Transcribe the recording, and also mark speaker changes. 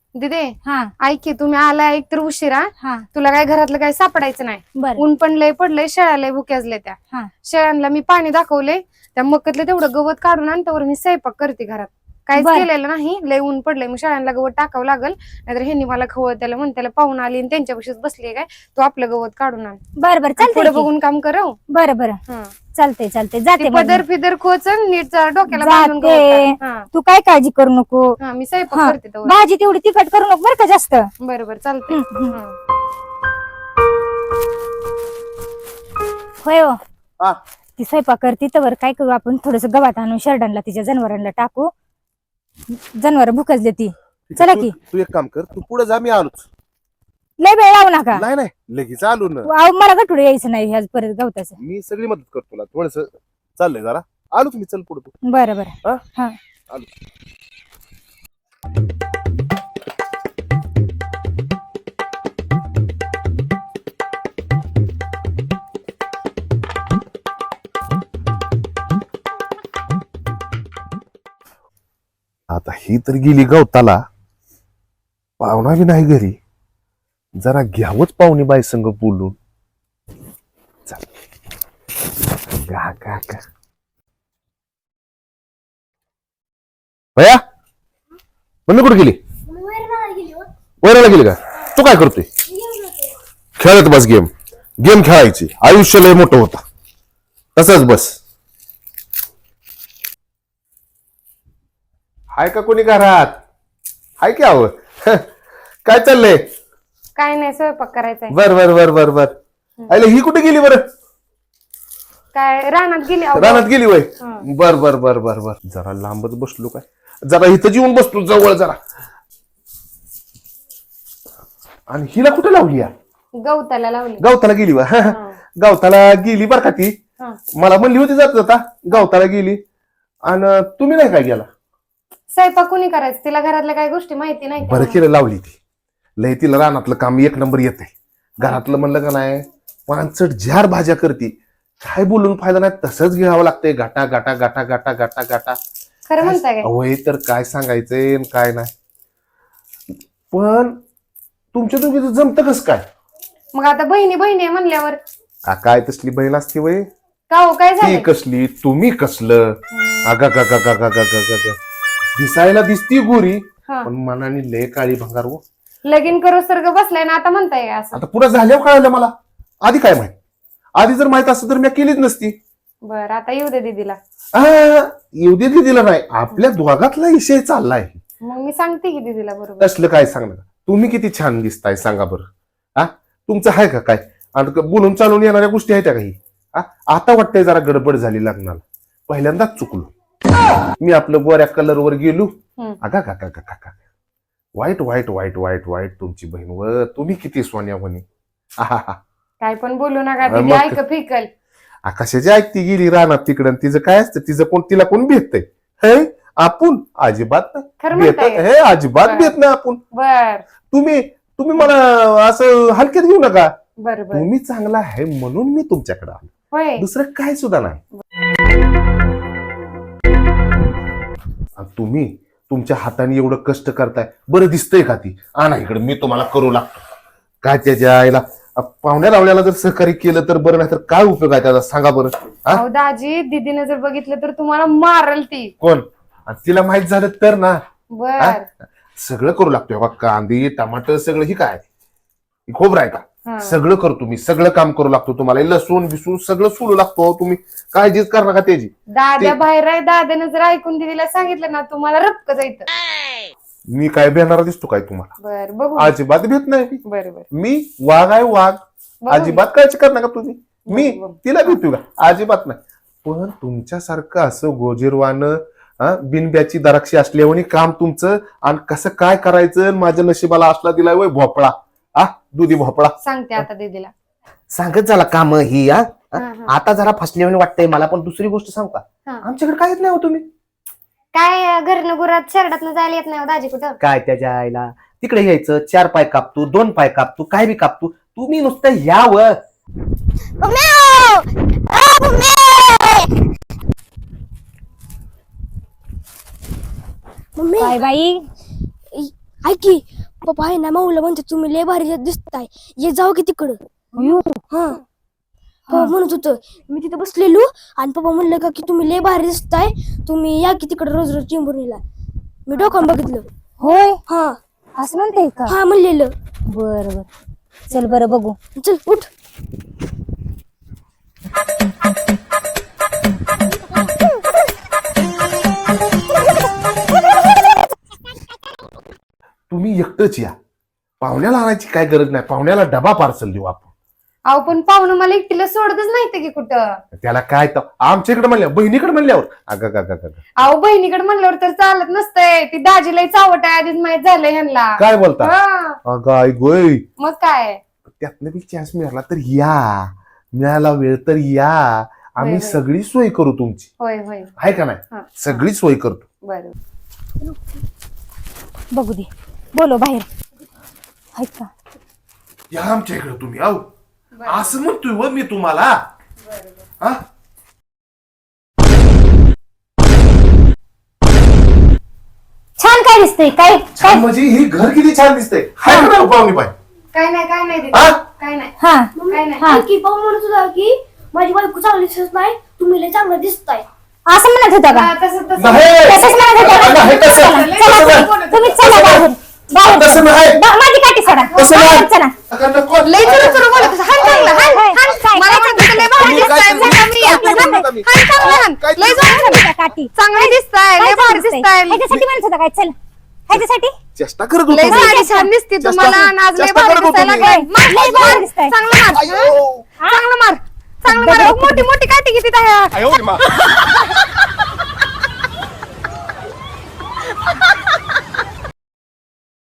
Speaker 1: दिदे
Speaker 2: हा
Speaker 1: ऐक की, तुम्ही आलाय एक तर उशिरा.
Speaker 2: हा
Speaker 1: तुला काय घरातलं काय सापडायचं नाही.
Speaker 2: बर
Speaker 1: ऊन पण लय पडलंय, शेळ्या लय भुक्याजले त्या.
Speaker 2: हा
Speaker 1: शेळ्यांना मी पाणी दाखवले, त्या मक्कतलं तेवढं गवत काढून आणतावर मी स्वयंपाक करते घरात. काहीच
Speaker 2: बर.
Speaker 1: केलेलं नाही, लय ऊन पडलंय. मग शेळ्यांना गवत टाकावं लागल, नाहीतर ह्यांनी मला खवळ त्याला म्हण त्याला पाहून आली आणि त्यांच्यापाशीच बसली काय, तू आपलं गवत काढून आण.
Speaker 2: बर बर
Speaker 1: पुढे
Speaker 2: चालतंय
Speaker 1: बघून काम करव.
Speaker 2: बर बर चालतंय चालतंय जाते मग
Speaker 1: पदर फिदर खोचन नीट डोक्याला बांधून गवत
Speaker 2: जाते.
Speaker 1: काढ. हा
Speaker 2: तू काय काळजी करू नको.
Speaker 1: हा मी स्वयंपाक
Speaker 2: हा
Speaker 1: करते तेवढं.
Speaker 2: भाजी तेवढी तिखट करू नको बर का जास्त.
Speaker 1: बरोबर चालतंय.
Speaker 2: होय हो.
Speaker 3: हा
Speaker 2: ती स्वयंपाक करते तर काय करू आपण, थोडस गवात आणून शर्डांना तिच्या जनावरांना टाकू. जनावर भुकजले ती. चला की
Speaker 3: तू एक काम कर, तू पुढे जा, मी आलोच.
Speaker 2: लय वेळ लावू नका.
Speaker 3: नाही नाही लगेच आलो ना.
Speaker 2: अहो, मला गठुडे यायचं नाही ह्या परत गवताचं.
Speaker 3: मी सगळी मदत करतो तुला. थोडस चाललंय जरा, आलोच मी. चल पुढे तू.
Speaker 2: बरं बरं
Speaker 3: हा
Speaker 2: हा
Speaker 3: आलो. आता ही तर गेली गवताला, पाहुणा बी नाही घरी. जरा घ्यावंच पाहुणी बाई संग बोलून. चल गा गा गा. भया मम्मी कुठे गेली? वराला गेली का? तू काय करतोय? खेळत बस गेम. गेम खेळायची, आयुष्य लय मोठं होता. तसंच बस. हाय का कोणी घरात? हाय की आव. काय चाललंय?
Speaker 1: काय नाही, स्वयंपाक करायचंय.
Speaker 3: बर बर बर बर बर. अरे ही कुठे गेली बरं?
Speaker 1: काय रानात गेली अहो.
Speaker 3: रानात गेली वय.
Speaker 1: हा.
Speaker 3: बर बर बर बर बर. जरा लांबच बसलो काय, जरा इथं येऊन बसतो जवळ जरा. आणि हिला कुठे लावली या?
Speaker 1: गवताला लावली.
Speaker 3: गवताला गेली वा. गवताला गेली बर का ती.
Speaker 1: हा.
Speaker 3: मला म्हणली होती जात जाता गवताला गेली. आणि तुम्ही नाही काय गेला?
Speaker 1: स्वयंपाक कोणी करायचं, तिला घरातल्या काही गोष्टी माहिती नाही का?
Speaker 3: बरं केलं लावली ती. लय तिला रानातलं काम एक नंबर येते. घरातलं म्हणलं का नाही, 5 भाज्या करते. काय बोलून फायदा नाही, तसंच घ्यावं लागतंय. गाटा गाटा गाटा गाटा गाटा गाटा.
Speaker 1: खरं म्हणताय काय?
Speaker 3: अवय तर काय सांगायचंय आणि काय नाही. पण तुमच्या दोघीचं जमतं कसं काय?
Speaker 1: मग आता बहिणी बहिणी आहे म्हणल्यावर
Speaker 3: काय तसली बहीण असते वय?
Speaker 1: का हो, काय
Speaker 3: ती
Speaker 1: झालं?
Speaker 3: कसली, तुम्ही कसलं? आगा गा गा गा गा गा गा गा. दिसायला दिसती गोरी,
Speaker 1: हा.
Speaker 3: पण मनाने लय काळी भंगार हो.
Speaker 1: लगीन करू सर्ग बसलाय ना, आता म्हणताय काय असं?
Speaker 3: आता पुढे झाल्यावर कळालं मला. आधी काय माहित? आधी जर माहित असतं तर मी केलीच नसती.
Speaker 1: बर आता येऊ दे दीदीला.
Speaker 3: येऊ दे दिला नाही, आपल्या दोघातला विषय चाललाय.
Speaker 1: मग मी सांगते की दीदीला. बरोबर.
Speaker 3: असलं काय सांगणार? तुम्ही किती छान दिसताय सांगा बरं. हा तुमचं आहे का काय? आणि बोलून चालून येणाऱ्या गोष्टी आहेत त्या काही? आता वाटतंय जरा गडबड झाली लग्नाला. पहिल्यांदाच चुकलो मी. आपलं गोऱ्या कलरवर गेलो. अगा का का का का. वाईट वाईट वाईट वाईट वाईट तुमची बहीण व तुम्ही किती सोन्या म्हणे.
Speaker 1: काय पण बोलू नका दीदी,
Speaker 3: मग-
Speaker 1: ऐक फिकल.
Speaker 3: आकाशाची ऐकती गेली रानात तिकडं. तिचं काय असतं? तिला कोण भेटतंय? हे आपण अजिबात
Speaker 1: खरं
Speaker 3: नाही
Speaker 1: म्हणताय
Speaker 3: भेटत.
Speaker 1: का?
Speaker 3: हे अजिबात
Speaker 1: बरं.
Speaker 3: भेट नाही आपण.
Speaker 1: बर
Speaker 3: तुम्ही मला असं हलक्यात घेऊ नका.
Speaker 1: बर बर.
Speaker 3: तुम्ही चांगला आहे म्हणून मी तुमच्याकडे आलो,
Speaker 1: होय.
Speaker 3: दुसरं काय सुद्धा नाही. आणि तुम्ही तुमच्या हाताने एवढं कष्ट करताय, बरं दिसतंय का ती? आणा इकडे, मी तुम्हाला करू लागतो. काय त्याच्या आईला पाहुण्या रावण्याला जर सहकार्य केलं तर बरं, नाही तर काय उपयोग आहे त्याचा सांगा बरं.
Speaker 1: अहो दाजी, दीदीने जर बघितलं तर तुम्हाला मारल ती.
Speaker 3: कोण? आणि तिला माहित झालं तर ना,
Speaker 1: बर.
Speaker 3: सगळं करू लागतोय बा. कांदे टमाटर सगळं. ही काय खोबरं आहे का?
Speaker 1: हा.
Speaker 3: सगळं करतो मी, सगळं काम करू लागतो. तुम्हाला लसूण बिसून सगळं सोडू लागतो. तुम्ही काळजीच करणार का त्याची?
Speaker 1: दाद्या बाहेर आहे, दाद्यानं जर ऐकून दीदीला सांगितलं ना, तुम्हाला रक्क जायचं.
Speaker 3: मी काय भेटणारा दिसतो काय तुम्हाला?
Speaker 1: बर बघू.
Speaker 3: अजिबात भेट नाही.
Speaker 1: बर बर.
Speaker 3: मी वाघ आहे, वाघ.
Speaker 1: बघू.
Speaker 3: अजिबात काळजी करणार का तुम्ही? मी
Speaker 1: बघू.
Speaker 3: तिला भेटू का? अजिबात नाही. पण तुमच्यासारखं असं गोजीरवानं बिनब्याची द्राक्षी असल्यावर काम तुमचं. आणि कसं काय करायचं? माझ्या नशिबाला असला दिलाय वय भोपळा. दुधी भोपळा.
Speaker 1: सांगते आता दीदीला.
Speaker 4: सांगत झाला काम ही.
Speaker 1: हा, हा.
Speaker 4: आता जरा फसल्याने वाटतंय मला. पण दुसरी गोष्ट सांगू का?
Speaker 1: हा.
Speaker 4: आमच्याकडे काय येत नाही हो तुम्ही.
Speaker 1: काय घरनं गुरात शर्टातनं जायला येत नाही हो दाजी कुठं?
Speaker 4: काय त्याच्या आईला तिकडे यायचं, 4 पाय कापतो, 2 पाय कापतो, काय बी कापतो. तुम्ही नुसतं यावं.
Speaker 2: काय बाई,
Speaker 5: ऐक की पप्पा आहे ना माऊला म्हणते तुम्ही लय भारी दिसताय ये जाऊ की तिकडं. हा पप्पा म्हणत होतं मी तिथं बसलेलो आणि पप्पा म्हणलं का की तुम्ही लय भारी दिसताय तुम्ही या की तिकडं रोज रोज चिंबुर्णीला. मी डोकान बघितलं.
Speaker 2: होय
Speaker 5: हा
Speaker 2: असं म्हणते का?
Speaker 5: हा म्हणलेलं.
Speaker 2: बर बर चल बरं बघू.
Speaker 5: चल उठ.
Speaker 3: तुम्ही एकटंच या, पाहुण्याला आणायची काय गरज नाही. पाहुण्याला डबा पार्सल देऊ आपण.
Speaker 1: अहो पण पाहुणं मला एकटीला सोडतच नाही की कुठं.
Speaker 3: त्याला काय तर आमच्याकडे म्हणल्यावर बहिणीकडे म्हणल्यावर अगं
Speaker 1: अहो बहिणीकडे म्हणल्यावर तर चालत नसतंय. ती दाजीला चावट आहे आधीच माहित झालंय ह्यांना.
Speaker 3: काय बोलता?
Speaker 1: हा,
Speaker 3: अगं आई गोय,
Speaker 1: मग काय.
Speaker 3: त्यातनं बी चान्स मिळाला तर या, मिळाला वेळ तर या. आम्ही
Speaker 1: होय, होय.
Speaker 3: सगळी सोय करू तुमची,
Speaker 1: होय होय
Speaker 3: आहे का
Speaker 1: हा.
Speaker 3: नाही? सगळी सोय करतो.
Speaker 1: बरं.
Speaker 2: बघू दे. बोलो बाहेर. ऐक का
Speaker 3: या आमच्या इकडे तुम्ही. आहो असं म्हणतोय व मी तुम्हाला. हा
Speaker 2: छान काय दिसतंय काय
Speaker 3: छान म्हणजे हे घर किती छान दिसतंय. हाय का नाही पाहुणी बाई?
Speaker 1: काय नाही दीदी.
Speaker 3: हा?
Speaker 1: काय नाही
Speaker 2: हा
Speaker 1: काय नाही.
Speaker 2: हा.
Speaker 5: ऐक की पप्पा म्हणत होता की माझी बायको चांगली दिसत नाही तुम्ही लय चांगलं दिसताय.
Speaker 2: असं म्हणत होता का?
Speaker 1: हा, तसं तसं.
Speaker 3: नाही.
Speaker 2: तसंच म्हणत होता का?
Speaker 3: नाही, तसं-
Speaker 2: चला,
Speaker 3: तसं
Speaker 2: चला,
Speaker 3: नाही.
Speaker 2: तुम्ही चला बाहेर. बाहेर
Speaker 3: तसं नाही.
Speaker 2: माझी काठी सोडा.
Speaker 3: तसं नाही.
Speaker 2: बाहेर चला.
Speaker 3: अगं नको.
Speaker 1: लय चुरू बोलत होता. हाण चांगला, हाण, हाण.
Speaker 2: काय-
Speaker 1: मला म्हणतो लय भारी
Speaker 3: तुम्ही काय
Speaker 1: दिसताय.
Speaker 3: तुम्ही-
Speaker 1: चला, मी या.
Speaker 3: काय तुम्ही म्हणता मी?
Speaker 1: हाण चांगला, हाण.
Speaker 3: काय
Speaker 1: लय
Speaker 3: तुम्ही-
Speaker 1: जोरात हाण.
Speaker 2: त्या काठी
Speaker 1: चांगली दिसताय. लय
Speaker 2: काय
Speaker 1: भारी
Speaker 2: दिसतंय?
Speaker 1: दिसताय.
Speaker 2: ह्याच्यासाठी म्हणत होता काय? चल ह्याच्यासाठी
Speaker 3: चेष्टा करत होतो
Speaker 1: लय
Speaker 3: मी.
Speaker 1: साडी छान दिसते तुम्हाला आणि आज लय
Speaker 3: चेष्टा
Speaker 1: भारी
Speaker 3: करत होतो
Speaker 1: दिसायला
Speaker 3: मी.
Speaker 1: लागलाय. मार,
Speaker 2: लय भारी
Speaker 1: मार.
Speaker 2: दिसताय.
Speaker 1: चांगलं मार.
Speaker 3: अयो.
Speaker 1: चांगलं मार. चांगलं मार. मोठी मोठी काठी किती त्या.
Speaker 3: अयो, मा.